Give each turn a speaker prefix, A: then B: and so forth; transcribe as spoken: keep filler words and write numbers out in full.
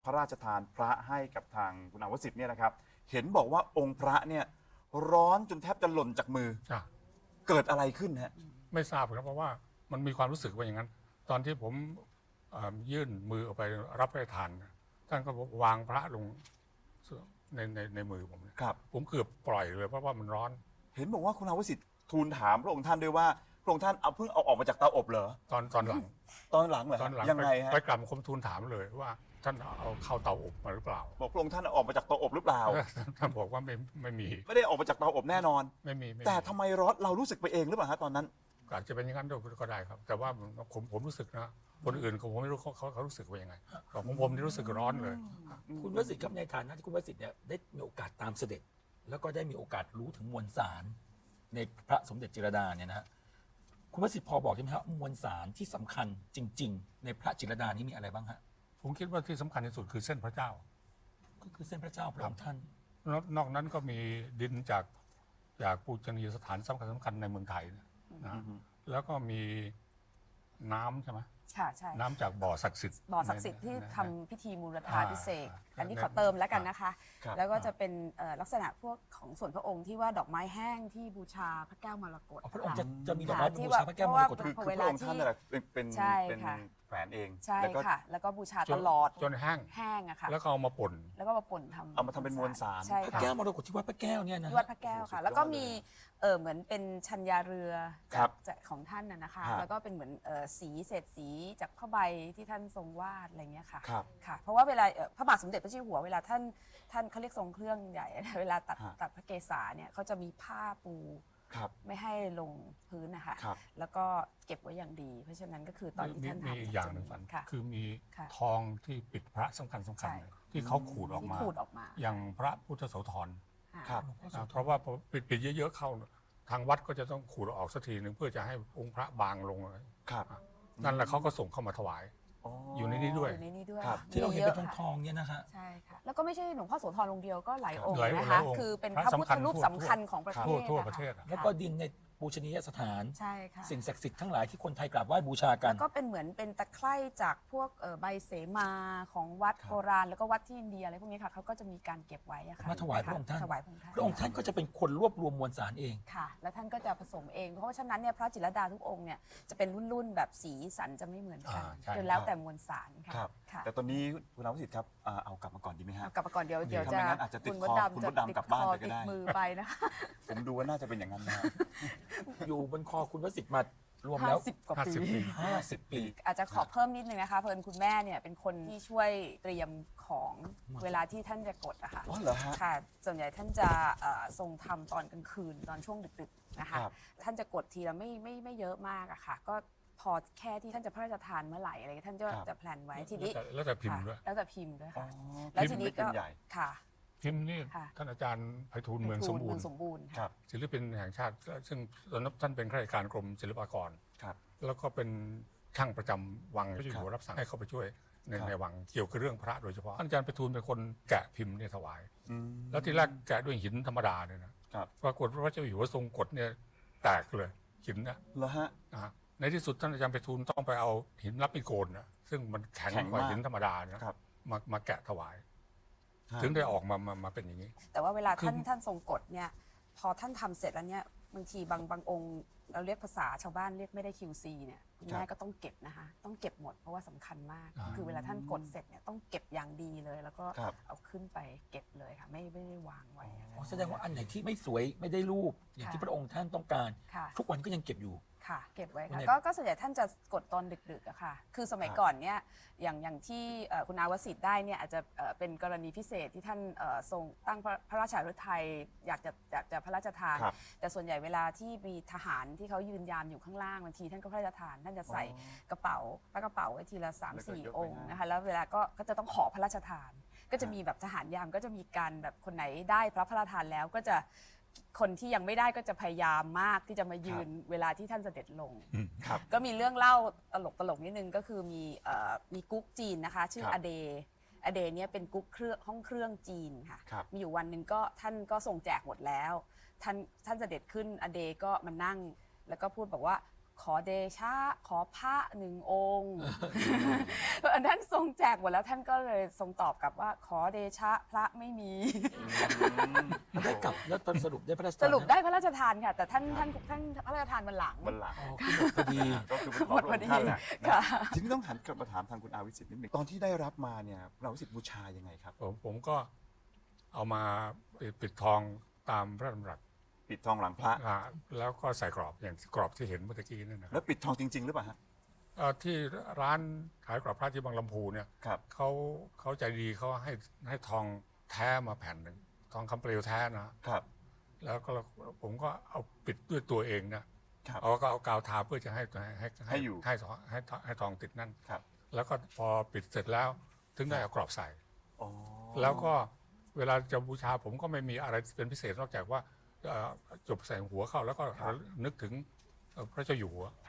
A: ระราชทานพระให้กับทางคุณอาวสิทธิ์เนี่ยนะครับเห็นบอกว่าองค์พระเนี่ยร้อนจนแทบจะหล่นจากมือ
B: อ่ะ
A: เกิดอะไรขึ้นฮะ
B: ไม่ทราบครับเพราะว่ามันมีความรู้สึกว่าอย่างนั้น ตอนที่ผมเอ่อยื่นมือออกไปรับพระราชทานท่านก็วางพระลงในในในมือผมเนี่ย
A: ครับ
B: ผมเกือบปล่อยเลยเพราะว่ามันร้อน
A: เห็นบอกว่าคุณอาวสิทธิ์ทูลถามพระองค์ท่านด้วยว่าพระองค์ท่านเอาเพิ่งเอาออกมาจากเตาอบเหรอ
B: ตอนตอนหลัง
A: ตอนหลังเหรอ
B: ตอนหลัง
A: ยัง
B: ไป
A: ไงฮะ
B: ไปกลับคมทูลถามเลยว่าท่านเอาเข้าเตาอบมาหรือเปล่า
A: บอกพระองค์ท่านเอาออกมาจากเตาอบหรือเปล่า
B: ท่านบอกว่าไม่ไม่มี
A: ไม่ได้ออกมาจากเตาอบแน่นอน
B: ไม่มีไม่มี
A: แต่ทำไมร้อนเรารู้สึกไปเองหรือเปล่าฮะตอนนั้น
B: อาจจะเป็นอย่างนั้นด้วยก็ได้ครับ แต่ว่าผมผมรู้สึกนะคนอื่นผมไม่รู้เขาเขาเขารู้สึกว่ายังไงของผมผมนี่รู้สึกร้อนเลย
C: คุณวสิทธิ์ครับในฐานะที่คุณวสิทธิ์เนี่ยได้มีโอกาสตามเสด็จ แล้วก็ได้มีโอกาสรู้ถึงมวลสารในพระสมเด็จจิรดาเนี่ยนะฮะคุณวสิทธิ์พอบอกได้ไหมครับมวลสารที่สำคัญจริง ๆ ในพระจิรดานี้มีอะไรบ้างฮะ
B: ผมคิดว่าที่สำคัญที่สุดคือเส้นพระเจ้า
C: ก็คือเส้นพระเจ้าพระองค์ท่าน
B: นอกนอกนั้นก็มีดินจากจากปูชนียสถานสำคัญสำคัญในเมืองไทยนะนะแล้วก็มีน้ำใช่ไหม
D: ค่ะใช่
B: น้ำจากบ่อศักดิ์สิทธิ์
D: บ่อศักดิ์สิทธิ์ที่
B: ใน
D: ทำพิธีมูลธาพิเศษก
B: อ่า
D: อันนี้
B: ใน
D: ขอเติมแล้วกันนะคะ
A: ครับ
D: แล้วก็จะเป็นเอ่อลักษณะพวกของส่วนพระองค์ที่ว่าดอกไม้แห้งที่บูชาพระแก้วมรกต
C: อ๋อพระองค์จะ
D: ค่
C: จะมีดอกไม้
D: ค่ะ
C: บูชาพระแก้วมรกต
D: ที่
A: คือ
D: พอ
A: คือ
D: เว
A: พ
D: ลา
A: ระองค์ท่าน
D: ที่
A: นั่นแหละเป็นเป็น
D: ใช่
A: เป็น
D: ค่ะ
A: แขวนเอง
D: ใช่
A: แล้วก็
D: ค่ะ แล้วก็บูชา
B: จ
D: ต
B: น
D: ลอด
B: จนแห้ง
D: แห้งอะค่ะ
B: แล้วก็เอามาป่น
D: แล้วก็มาป่นทำ
A: เอามาทำเป็นมวลสาร
D: ใช่
C: พระ
D: ค่ะ
C: แก้วมรกตที่วัดพระแก้วเนี่ยนะ
D: ที่วัดพระแก้วค่ะ แล้วก็มีเออเหมือนเป็นชัญญาเรือ
A: ครั
D: จาก
A: บ
D: จากของท่านน่ะนะคะ
A: ฮะ
D: แล้วก็เป็นเหมือนเออสีเศษสีจากผ้าใบที่ท่านทรงวาดอะไรเงี้ยค่ะ
A: ครับ
D: ค่ะ เพราะว่าเวลาเอ่อพระบาทสมเด็จพระเจ้าอยู่หัวเวลาท่านท่านเขาเรียกทรงเครื่องใหญ่ เวลาตัด
A: ฮะ
D: ตัดพระเกศาเนี่ยเขาจะมีผ้าปู
A: ครับ
D: ไม่ให้ลงพื้นนะคะ
A: ครับ
D: แล้วก็เก็บไว้อย่างดี เพราะฉะนั้นก็คือตอนที่
B: มี
D: ท่าน
B: มี
D: ทำ
B: อีกอย่างหนึ่งฝัน
D: ค่ะ
B: คือมี
D: ค่ะ
B: ทองที่ปิดพระสำคัญสำคัญ
D: ใช่
B: ที่เขาขูดออก
D: ที่
B: มา
D: ขูดออกมา
B: อย่างพระพุทธโสธร
D: ค่ะ
A: ครับ
B: นะเพราะว่าพอปิดปิดเยอะๆเข้า ทางวัดก็จะต้องขูดออกสักทีหนึ่งเพื่อจะให้องค์พระบางลง
A: ครับ
B: นั่นแหละเขาก็ส่งเข้ามาถวาย
A: อ๋อ
B: อ
A: อยู่
B: ในนี้ด้วย
D: อยู่ในนี้ด้วย
A: ครับ
C: ที่เราเห็นเป็นทอง
D: มียะ
C: ท
D: ค่ะ
C: องๆเนี่ยนะฮะ
D: ใช่ค่ะ แล้วก็ไม่ใช่หลวงพ่อโสธรองค์เดียวก็หลายองค์
B: หลายองค์
D: นะ
B: หลา
D: คะ
B: ยองค์
D: คือเป็น
B: พ
D: พ
B: ระ
D: ระพุทธ
B: สำคัญ
D: รูป
B: ทั่ว
D: สำคัญของประเทศ
B: ทั่วทั่ว
D: อ
B: ประเทศอะ
C: แล้วก็ดินในปูชนียสถาน
D: ใช่ค่ะ
C: สิ่งศักดิ์สิทธิ์ทั้งหลายที่คนไทยกราบไหว้บูชากัน
D: แล้วก็เป็นเหมือนเป็นตะไคร่จากพวกเอ่อใบเสมาของวัด
A: ครับ
D: โบราณแล้วก็วัดที่อินเดียอะไรพวกนี้ค่ะเขาก็จะมีการเก็บไว้อะค่ะ
C: มาถวายพระองค์ท่าน
D: ถวายพระองค์ท่าน
C: พระองค์ท่านก็จะเป็นคนรวบรวมมวลสารเอง
D: ค่ะ แล้วท่านก็จะผสมเอง เพราะว่าฉะนั้นเนี่ยพระจิรดาทุกองค์เนี่ยจะเป็นรุ่นๆแบบสีสันจะไม่เหมือนกัน
B: อ่าใช่
D: จนแล้วแต่มวลสารค่ะ
A: ครับ
D: ค่ะ
A: แต่ตอนนี้คุณอาวสิทธิ์ครับอ่าเอากลับมาก่อนดีไหมฮะ
D: เอากลับมาก่อนเดี๋ยวเดี๋ยว
A: ถ้า
D: จะ
A: ไม่งั้นอาจจะติด
D: คุณ
A: ค
D: ม
A: อ
D: ดดำ
A: คุณ
D: จะ
A: มดดำ
D: ติด
A: กลับบ้าน
D: คอ
A: ไปก็
D: ติด
A: ได้
D: มือไปนะคะ
A: ผมดูว่าน่าจะเป็นอย่างนั้นนะฮะ
C: อยู่บนคอคุณวสิทธิ์มารวมแล้ว
D: ห้าสิบกว่า
B: ห้า
D: ปี
B: สิบปี
C: ห้าสิบปี
D: อาจจะขอเพิ่มนิดนึงนะคะเพิ่นคุณแม่เนี่ยเป็นคนที่ช่วยเตรียมของเวลาที่ท่านจะกดอะค่ะ
A: อ๋อเหรอฮะ
D: ค่ะ ส่วนใหญ่ท่านจะเอ่อทรงทำตอนกลางคืนตอนช่วงดึกๆนะคะ
A: ครับ
D: ท่านจะกดทีละไม่ไม่ไม่เยอะมากอะค่ะ ก็พอแค่ที่ท่านจะพระราชทานเมื่อไหร่อะไรเงี้ยท่านจะ
A: ครับ
D: จะแพลนไว้ทีนี้
B: แล้วแต่พิมพ์ด้วย
D: ค่ะแล้วแต่พิมพ์ด้วย
A: อ๋อ
D: ค่ะ แล้วทีนี้
A: พิ
D: ก็
A: มพ์เล็กพิมพ์ใหญ่
D: ค่ะ
B: พิมพ์นี่
D: ค่ะ
B: ท่านอาจารย์ไพฑูรย์เมืองสมบูร
D: เมื
B: ณ์
D: สมบูรณ์
A: ค
D: ค่ะ
A: รับ
B: ศิลปินแห่งชาติ ซึ่งตอนนั้นท่านเป็นข้าราชการกรมศิลปากร
A: ครับ
B: แล้วก็เป็นช่างประจำวังพระเจ้าอยู่หัวรับสั่งให้เข้าไปช่วยใน
A: ครับ
B: ในวังเกี่ยวกับเรื่องพระโดยเฉพาะท่านอาจารย์ไพฑูรย์เป็นคนแกะพิมพ์เนี่ยถวาย
A: อืม
B: แล้วทีแรกแกะด้วยหินธรรมดาเนี่ยนะครับ ปรากฏว่าพระเจ้าอยู่หัวทรงกฎเนี่ยแตกเลยหินนะ
A: เหรอฮะ
B: นะฮะในที่สุดท่านอาจารย์ไพฑูรย์ต้องไปเอาหินรับมีโกนนะซึ่งมันแข็ง
A: แข็ง
B: กว่า
A: มาก
B: หินธรรมดานะครับ มามาแกะถวาย
A: ฮะ
B: ถึงได้ออกมามามาเป็นอย่างนี้
D: แต่ว่าเวลาท่าน
B: คือ
D: ท่านทรงกฎเนี่ยพอท่านทำเสร็จแล้วเนี่ยบางทีบางบางองค์เราเรียกภาษาชาวบ้านเรียกไม่ได้ คิว ซี เนี่ยคุณแม่ก็ต้องเก็บนะคะต้องเก็บหมดเพราะว่าสำคัญมาก
B: อ่า
D: คือเวลาท่านกดเสร็จเนี่ยต้องเก็บอย่างดีเลย แล้วก็
A: ครับ
D: เอาขึ้นไปเก็บเลยค่ะไม่ไม่ได้วางไว้อะ
C: อ๋อแสดงว่าอันไหนที่ไม่สวยไม่ได้รูป อย่างที่พระองค์ท่านต้องการ
D: ค่ะ
C: ทุกวันก็ยังเก็บอยู่
D: ค่ะเก็บไว้
C: วั
D: ค่ะ
C: นไหน
D: ก็ก็ส่วนใหญ่ท่านจะกดตอนดึกๆอะค่ะ คือสมัย
A: ครับ
D: ก่อนเนี่ยอย่างอย่างที่เอ่อคุณอาวสิทธิ์ได้เนี่ยอาจจะเอ่อเป็นกรณีพิเศษที่ท่านเอ่อทรงตั้งพระพระราชาฤทัยอยากจะอยากจะพระราชทาน
A: ครับ
D: แต่ส่วนใหญ่เวลาที่มีทหารที่เขายืนยามอยู่ข้างล่างบางทีท่านก็พระราชทาน ท่านจะใส่
A: อ๋อ
D: กระเป๋าปากระเป๋าไว้ทีละสาม
A: แล้วก็
D: สี่
A: ยกไป
D: องค์
A: ให้
D: นะคะแล้วเวลาก็ก็จะต้องขอพระราชทาน ก็จะมีแบบทหารยามก็จะมีการแบบคนไหนได้พระพระราชทานแล้วก็จะคนที่ยังไม่ได้ก็จะพยายามมากที่จะมายืนเวลาที่ท่านเสด็จลง
A: ครับ
D: ก็มีเรื่องเล่าตลกตลกนิดนึงก็คือมีเอ่อมีกุ๊กจีนนะคะ ชื่อ
A: ครับ
D: อเดอเดเนี่ยเป็นกุ๊กเครื่องห้องเครื่องจีนค่ะ
A: ครับ
D: มีอยู่วันหนึ่งก็ท่านก็ส่งแจกหมดแล้ว ท่านท่านเสด็จขึ้นอเดก็มานั่ง แล้วก็พูดบอกว่าขอเดชะขอพระหนึ่งองค์ ท่านทรงแจกหมดแล้วท่านก็เลยทรงตอบกลับว่าขอเดชะพระไม่มี
C: ได้กลับแล้วตอนสรุปได้พระราชทาน
D: สรุป
C: หม
D: ได้พระราชทานค่ะ แต่ท่านท่านท่านพระราชทานวันหลัง
A: วันหลัง
C: อ๋อคือหมดพอดี
A: ก็คือไปข
D: ห
A: อ
D: มด
A: พ
D: พอ
A: ระ
D: ดี
A: ท่านแหละ
D: ค่ะ
A: ทีนี้ต้องหันกลับมาถามทางคุณอาวิสิทธิ์นิดหนึ่งตอนที่ได้รับมาเนี่ยคุณอาวิสิทธิ์บูชายังไงครับ
B: ผมผมก็เอามาปิดทองตามพระดำรัส
A: ปิดทองหลังพระ
B: อ่าแล้วก็ใส่กรอบอย่างกรอบที่เห็นเมื่อกี้นั่นนะค
A: แล้
B: รับ
A: วปิดทองจริง ๆ หรือเปล่าฮะ
B: เอ่อที่ร้านขายกรอบพระที่บางลำพูเนี่ย
A: ครับ
B: เขาเขาใจดีเขาให้ให้ทองแท้มาแผ่นหนึ่งทองคำเปลวแท้นะครับ แล้วก็ผมก็เอาปิดด้วยตัวเองนะครับ เอาก็เอากาวทาเพื่อจะให้ให้
A: ให้อยู่
B: ให้ให้ให้ให้ทองติดนั่น
A: ครับ
B: แล้วก็พอปิดเสร็จแล้วถึงได้เอากรอบใส่
A: อ๋อ
B: แล้วก็เวลาจะบูชาผมก็ไม่มีอะไรเป็นพิเศษนอกจากว่าเอ่อจบใส่หัวเข้าแล้วก็นึกถึงเอ่อพระเจ้าอยู่หัว